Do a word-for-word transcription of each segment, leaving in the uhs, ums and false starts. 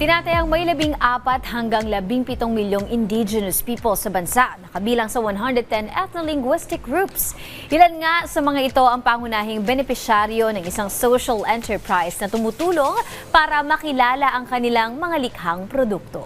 Tinatayang may labing apat hanggang labing pitong milyong indigenous people sa bansa, nakabilang sa one hundred ten ethno-linguistic groups. Ilan nga sa mga ito ang pangunahing benepisyaryo ng isang social enterprise na tumutulong para makilala ang kanilang mga likhang produkto.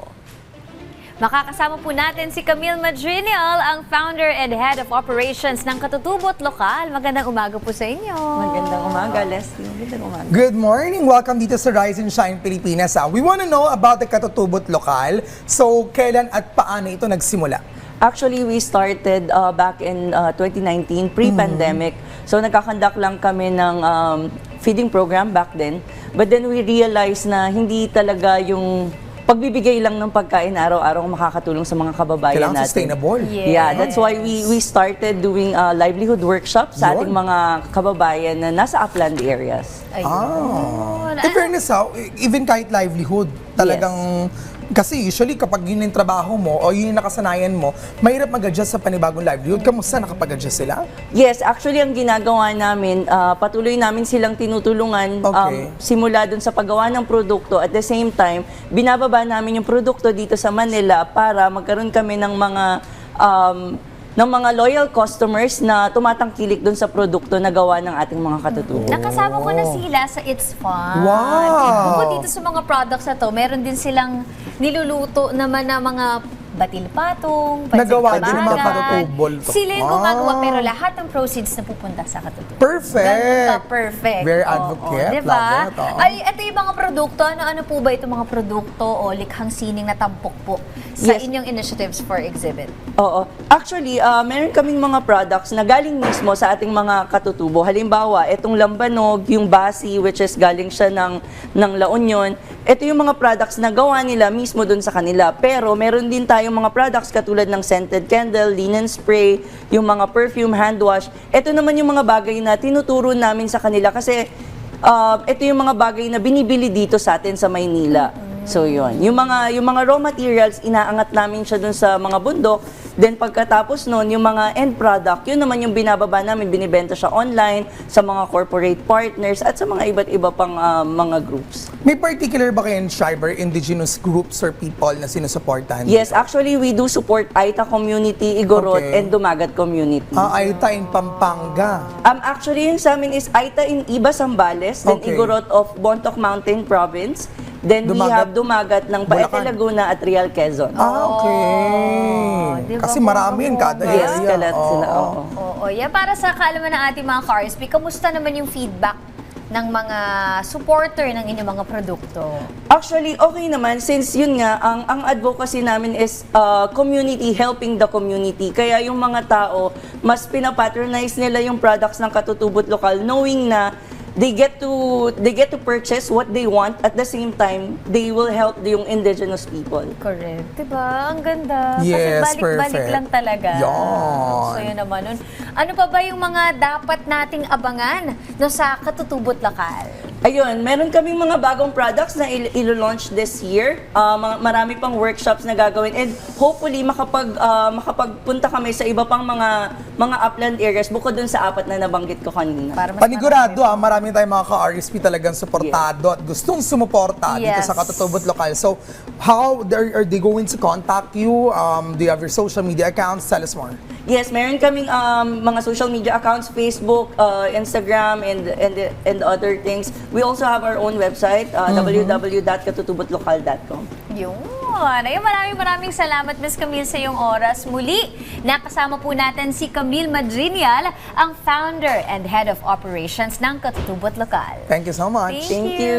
Makakasama po natin si Camille Madrinial, ang founder and head of operations ng Katutubot Lokal. Magandang umaga po sa inyo. Magandang umaga, Leslie. Magandang umaga. Good morning! Welcome dito sa Rise and Shine Pilipinas. Ah. We want to know about the Katutubot Lokal. So, kailan at paano ito nagsimula? Actually, we started uh, back in uh, twenty nineteen, pre-pandemic. Mm-hmm. So, nagkakandak lang kami ng um, feeding program back then. But then we realized na hindi talaga yung pagbibigay lang ng pagkain araw-araw makakatulong sa mga kababayan Kailangan natin. Sustainable. Yes. Yeah, that's why we we started doing uh, livelihood workshops sa ating Yun. mga kababayan na nasa upland areas. Ayun. Ah. In fairness, ha, even kahit livelihood, talagang, kasi usually kapag yun yung trabaho mo o yun yung nakasanayan mo, mahirap mag-adjust sa panibagong livelihood. Kamusta nakapag-adjust sila? Yes, actually ang ginagawa namin, uh, patuloy namin silang tinutulungan Okay. um, simula dun sa paggawa ng produkto. At the same time, binababa namin yung produkto dito sa Manila para magkaroon kami ng mga um, ng mga loyal customers na tumatangkilik dun sa produkto na gawa ng ating mga katutubo. Nakasama ko na sila sa It's Fun. Wow! Bukod dito sa mga products na to, meron din silang niluluto naman na mga batil patong, pansit Nagawa din ng mga kabagan. katutubol to. Sila yung Ah. gumagawa, pero lahat ng proceeds na pupunta sa katutubol. Perfect! Ganun ka, perfect. Very Oo, advocate. oo, diba? Love it, oo. Ay, ito yung mga produkto. Ano-ano po ba itong mga produkto o likhang sining na tampok po sa Yes. inyong initiatives for exhibit? Oo. Actually, uh, meron kaming mga products na galing mismo sa ating mga katutubo. Halimbawa, itong lambanog, yung basi, which is galing siya ng, ng La Union. Ito yung mga products na gawa nila mismo dun sa kanila. Pero meron din tayong mga products katulad ng scented candle, linen spray, yung mga perfume, hand wash. Ito naman yung mga bagay na tinuturo namin sa kanila kasi uh, ito yung mga bagay na binibili dito sa atin sa Maynila. So yun, yung mga yung mga raw materials inaangat namin siya dun sa mga bundok. Then pagkatapos noon, yung mga end product, yun naman yung binababa namin, binibenta siya online sa mga corporate partners at sa mga iba't iba pang uh, mga groups. May particular ba kayong Shiver indigenous groups or people na sinusuportahan? Yes, actually we do support Aita community, Igorot, Okay. and Dumagat community. Ah, Aita in Pampanga. Um, actually, yung sa amin is Aita in Iba, Zambales, then Okay. Igorot of Bontoc Mountain Province, then we Dumagat- have Dumagat ng Paete, Bulacan. Laguna at Real Quezon. Ah, okay. Diba, Kasi marami yun kada bongga-bongga? Yes, area. kalat sila. Oo. Oo. Oo, yeah, para sa kaalaman ng ating mga ka-R S P, kamusta naman yung feedback ng mga supporter ng inyong mga produkto? Actually, okay naman since yun nga, ang, ang advocacy namin is uh, community, helping the community. Kaya yung mga tao, mas pinapatronize nila yung products ng Katutubot Lokal knowing na they get to they get to purchase what they want at the same time they will help yung indigenous people. Correct. Diba? Ang ganda. Yes, Kasi balik-balik perfect. lang talaga. Yan. So yun naman nun. Ano pa ba yung mga dapat nating abangan no, sa Katutubot Lokal? Ayun, meron kaming mga bagong products na il- ilo-launch this year. Uh, mga, marami pang workshops na gagawin and hopefully makapag uh, makapagpunta kami sa iba pang mga mga upland areas bukod dun sa apat na nabanggit ko kanina. Para mas Panigurado marami ah, marami tayong mga ka-R S P talagang suportado at gustong sumuporta dito Yes. sa Katutubot Lokal. So, how are, are they going to contact you? Um, do you have your social media accounts? Tell us more. Yes, meron kaming um, mga social media accounts, Facebook, uh, Instagram, and, and and other things. We also have our own website, uh, w w w dot katutubotlocal dot com. Yun. Ayun, maraming maraming salamat, Miz Camille, sa iyong oras. Muli, nakasama po natin si Camille Madrinial, ang founder and head of operations ng Katutubot Lokal. Thank you so much. Thank Thank you.